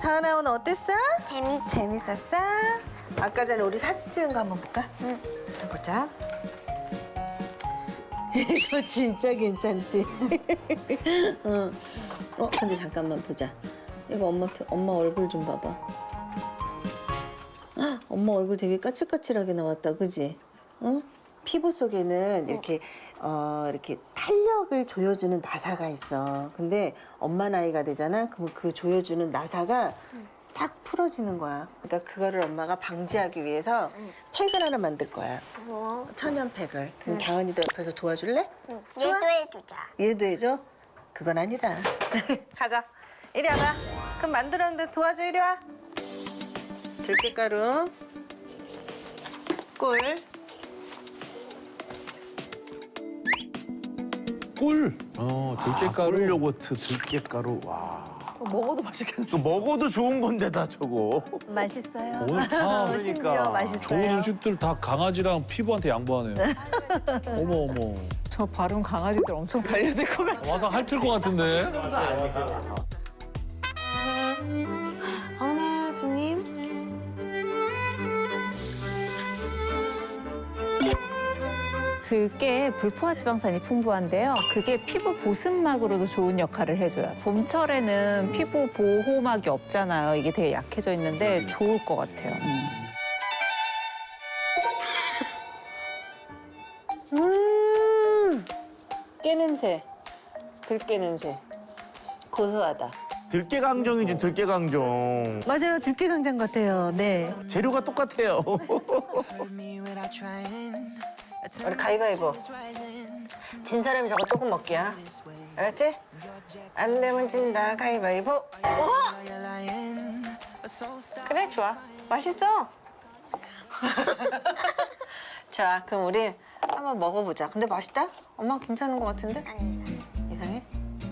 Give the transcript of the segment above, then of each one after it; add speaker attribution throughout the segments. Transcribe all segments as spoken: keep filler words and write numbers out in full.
Speaker 1: 다은아 오늘 어땠어?
Speaker 2: 재밌.
Speaker 1: 재밌었어? 아까 전에 우리 사진 찍은 거 한번 볼까?
Speaker 2: 응.
Speaker 1: 보자. 이거 진짜 괜찮지? 어. 어, 근데 잠깐만 보자. 이거 엄마 표- 엄마 얼굴 좀 봐봐. 헉, 엄마 얼굴 되게 까칠까칠하게 나왔다, 그지? 어? 피부 속에는 이렇게 어 이렇게 탄력을 조여주는 나사가 있어. 근데 엄마 나이가 되잖아. 그러면 그 조여주는 나사가 딱 풀어지는 거야. 그러니까 그거를 엄마가 방지하기 위해서 팩을 하나 만들 거야.
Speaker 2: 뭐?
Speaker 1: 천연 팩을. 그럼 다은이도 옆에서 도와줄래?
Speaker 2: 응.
Speaker 1: 좋아?
Speaker 2: 얘도 해주자.
Speaker 1: 얘도 해줘? 그건 아니다. 가자. 이리 와봐. 그럼 만들었는데 도와줘, 이리 와. 들깨가루, 꿀,
Speaker 3: 꿀. 어, 들깨가루.
Speaker 4: 꿀 요거트, 들깨가루. 와.
Speaker 5: 먹어도 맛있겠네.
Speaker 4: 그 먹어도 좋은 건데다 저거.
Speaker 5: 맛있어요.
Speaker 3: 오늘 다
Speaker 4: 그러니까.
Speaker 1: 심지어 맛있어요.
Speaker 3: 좋은 음식들 다 강아지랑 피부한테 양보하네요. 어머 어머.
Speaker 5: 저 발음 강아지들 엄청 달려들 것 같아.
Speaker 3: 와서 핥을 것 같은데.
Speaker 1: 어머나, 손님.
Speaker 5: 들깨에 불포화 지방산이 풍부한데요. 그게 피부 보습막으로도 좋은 역할을 해줘요. 봄철에는 피부 보호막이 없잖아요. 이게 되게 약해져 있는데 좋을 것 같아요. 음.
Speaker 1: 음, 깨 냄새. 들깨 냄새. 고소하다.
Speaker 4: 들깨강정이지, 들깨강정.
Speaker 1: 맞아요, 들깨 강정 같아요. 네.
Speaker 4: 재료가 똑같아요.
Speaker 1: 우리 가위바위보. 진 사람이 저거 조금 먹기야. 알았지? 안 되면 진다, 가위바위보. 어? 그래, 좋아. 맛있어. 자, 그럼 우리 한번 먹어보자. 근데 맛있다? 엄마 괜찮은 것 같은데?
Speaker 2: 아니,
Speaker 1: 이상해?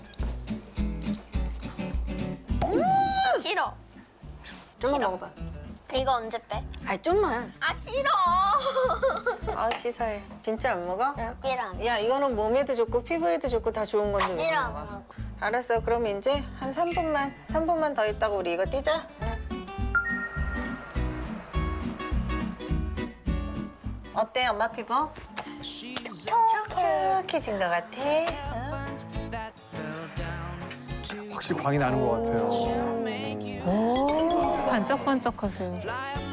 Speaker 2: 싫어.
Speaker 1: 좀만 먹어봐.
Speaker 2: 이거 언제 빼?
Speaker 1: 아, 좀만.
Speaker 2: 아, 싫어.
Speaker 1: 아, 치사해. 진짜 안 먹어?
Speaker 2: 싫어.
Speaker 1: 야, 이거는 몸에도 좋고 피부에도 좋고 다 좋은 건데 왜
Speaker 2: 싫어.
Speaker 1: 못 먹어? 알았어. 그럼 이제 한 삼 분만, 삼 분만 더 있다가 우리 이거 띄자. 어때, 엄마 피부? 촉촉해진 것 같아. 어?
Speaker 3: 확실히 광이 나는 것 같아요.
Speaker 5: 오, 반짝반짝하세요.